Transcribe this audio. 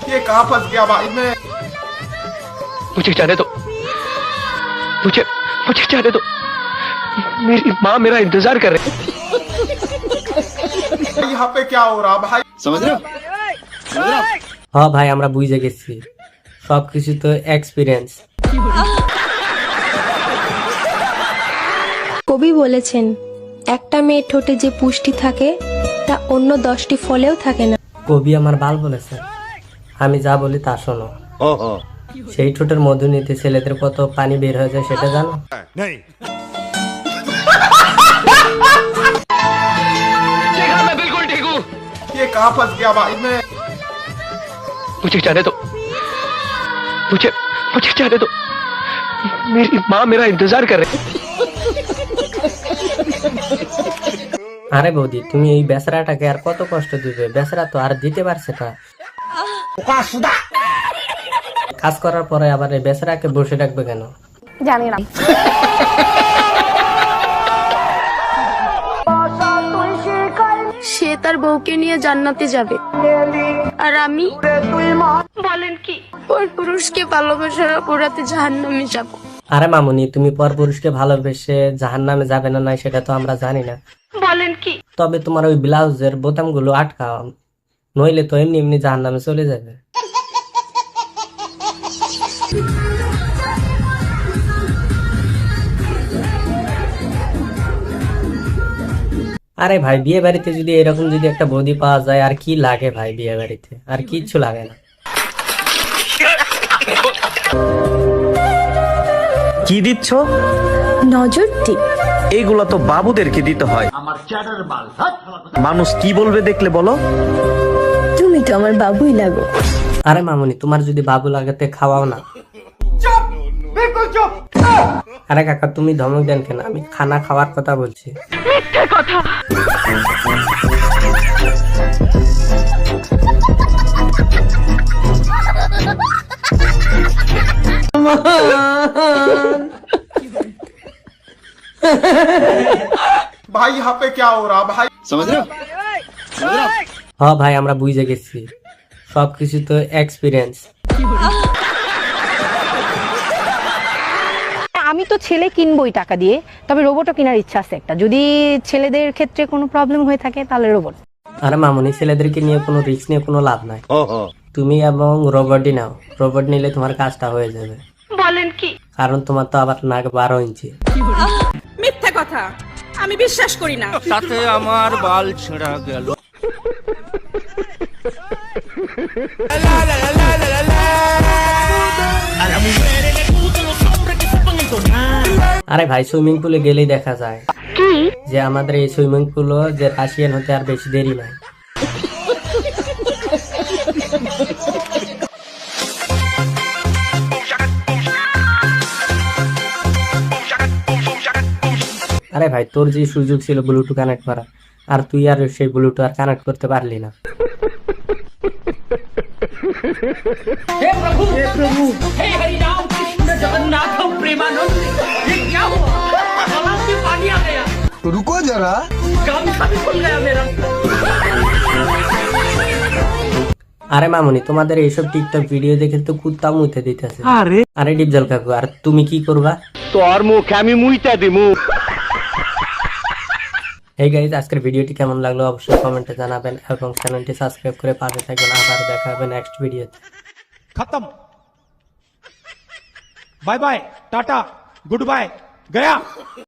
ये कहाँ फंस गया भाई मैं। मुझे जाने दो, मुझे मुझे जाने दो। मेरी माँ मेरा इंतजार कर रही है। यहाँ पे क्या हो रहा भाई, समझ रहे हो? হ্যাঁ ভাই আমরা বুঝে গেছি সবকিছু তো এক্সপিরিয়েন্স। কবি বলেছেন একটা মেয়ের ঠোঁটে যে পুষ্টি থাকে তা অন্য 10টি ফলেও থাকে না। কবি আমার বাল বলেছে, আমি যা বলি তা শোনো। সেই ঠোঁটের মধু নিতে ছেলেদের কত পানি বের হয়ে যায় সেটা জানো? देखा, मैं बिल्कुल ठीक हूँ। ये कहाँ फंस गया भाई मैं। मुझे जाने दो, मुझे मुझे जाने दो। मेरी माँ मेरा इंतजार कर रही है। আরে বৌদি তুমি এই বেচারাটাকে আর কত কষ্ট দিবে? বেচারা তো আর দিতে পারছে না। কাজ করার পরে আবার এই বেচারাকে বসে রাখবে কেন? জানি না। সে তার বউকে নিয়ে জান্নাতে যাবে আর আমি বলেন কি ওই পুরুষকে ভালোবাসার অপরাধে জাহান্নামে যাব। আরে মামুনি তুমি পর পুরুষকে ভালোবেসে জাহান্নামে যাবে না নাই সেটা তো আমরা জানি না। বলেন কি তবে তোমার ওই ব্লাউজের বোতামগুলো আটকাও, নইলে তো এমনি এমনি জাহান্নামে চলে যাবে। আরে ভাই বিয়ে বাড়িতে যদি এরকম যদি একটা বৌদি পাওয়া যায় আর কি লাগে ভাই, বিয়ে বাড়িতে আর কিচ্ছু লাগে না। কি দিচ্ছ? নজর টিপ। এইগুলা তো বাবুদেরকে দিতে হয়। মানুষ কি বলবে দেখলে বলো? তুমি তো আমার বাবুই লাগো। আরে মামুনি তোমার যদি বাবু লাগাতে খাওয়াও না। আরে কাকা তুমি ধমক দেন কেন? আমি খানা খাওয়ার কথা বলছি। भाई यहाँ पे क्या हो रहा भाई, समझ रहे हो? হ্যাঁ ভাই আমরা বুঝে গেছি সবকিছু তো এক্সপিরিয়েন্স। আমি তো ছেলে কিনবই টাকা দিয়ে, তবে রোবটও কেনার ইচ্ছা আছে একটা। যদি ছেলেদের ক্ষেত্রে কোনো প্রবলেম হয়ে থাকে তাহলে রোবট। আরে মামুনি ছেলেদেরকে নিয়ে কোনো রিস্ক নিয়ে কোনো লাভ নাই। তুমি এবং রোবটই নাও, রোবট নিলে তোমার কাজটা হয়ে যাবে। বলেন কি কারণ তোমার তো আবার নাক 12 ইঞ্চি। মিথ্যা কথা, আমি বিশ্বাস করি না। তাতে আমার বাল ছেঁড়া গেল। আরে ভাই সুইমিং পুলে গেলেই দেখা যায় যে আমাদের এই সুইমিং পুল যে রাশিয়ান হতে আর বেশি দেরি নাই। আরে ভাই তোর যে সুযোগ ছিল ব্লুটুথ কানেক্ট করা, আর তুই আর সেই ব্লুটুথ আর কানেক্ট করতে পারলি না। रुको जरा। আরে মামুনি তোমাদের এইসব টিকটক ভিডিও দেখে তো কুত্তা মুইতে দিতেছে। আরে ডিপজল কাকু আর তুমি কি করবা? তোর মুখ আমি মুইতা দিমু। এই গাইজ আজকের ভিডিওটি কেমন লাগলো অবশ্যই কমেন্টে জানাবেন এবং চ্যানেলটি সাবস্ক্রাইব করে পাশে থাকবেন। আবার দেখা হবে নেক্সট ভিডিওতে। खत्म, बाय बाय, टाटा, गुड बाय, गया।